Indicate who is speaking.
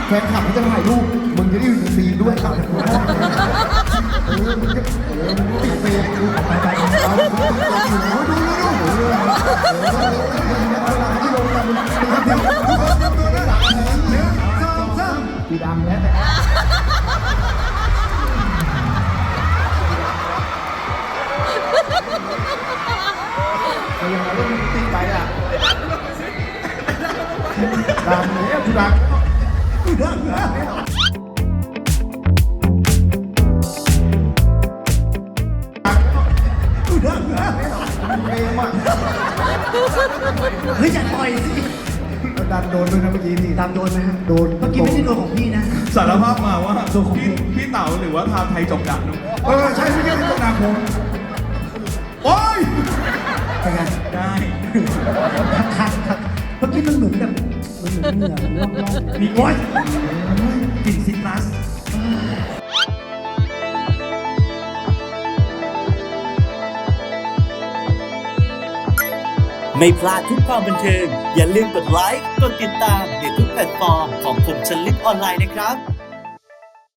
Speaker 1: แฟนคลับเขาจะถ่ายรูปมึงจะได้อยู่ในซีนด้วยครับมึงจะติดเฟรมดูไปเอาดูที่ลงกันสีดำแล้วยังไงต้องตีไปอ่ะดังเนี่ยกูดัง
Speaker 2: เฮ้ยอย่าต่อยสิ
Speaker 1: ดันโดนด้วยนะเมื่อกี้นี่
Speaker 2: ตามโดนไหมฮะ
Speaker 1: โดน
Speaker 2: เมื่อกี้ไม่ใช่โดนของพี่นะ
Speaker 3: สารภาพมาว่าพี่เต๋าหรือว่าทาไทยจบดักนุ๊ก
Speaker 1: ใช่ไม่ใช่ตกดาผมโอ้ย
Speaker 2: เป็นไง
Speaker 3: ได้
Speaker 2: คัดเมื่อกี้มันเหมือนแบบมันเหมือนเหงื่อมันล่องๆ
Speaker 3: มี
Speaker 2: โอ๊ย
Speaker 3: กลิ่นซิตรัส
Speaker 4: ไม่พลาดทุกความบันเทิงอย่าลืมกดไลค์ กดติดตามในทุกแพลตฟอร์มของคมชลิดออนไลน์นะครับ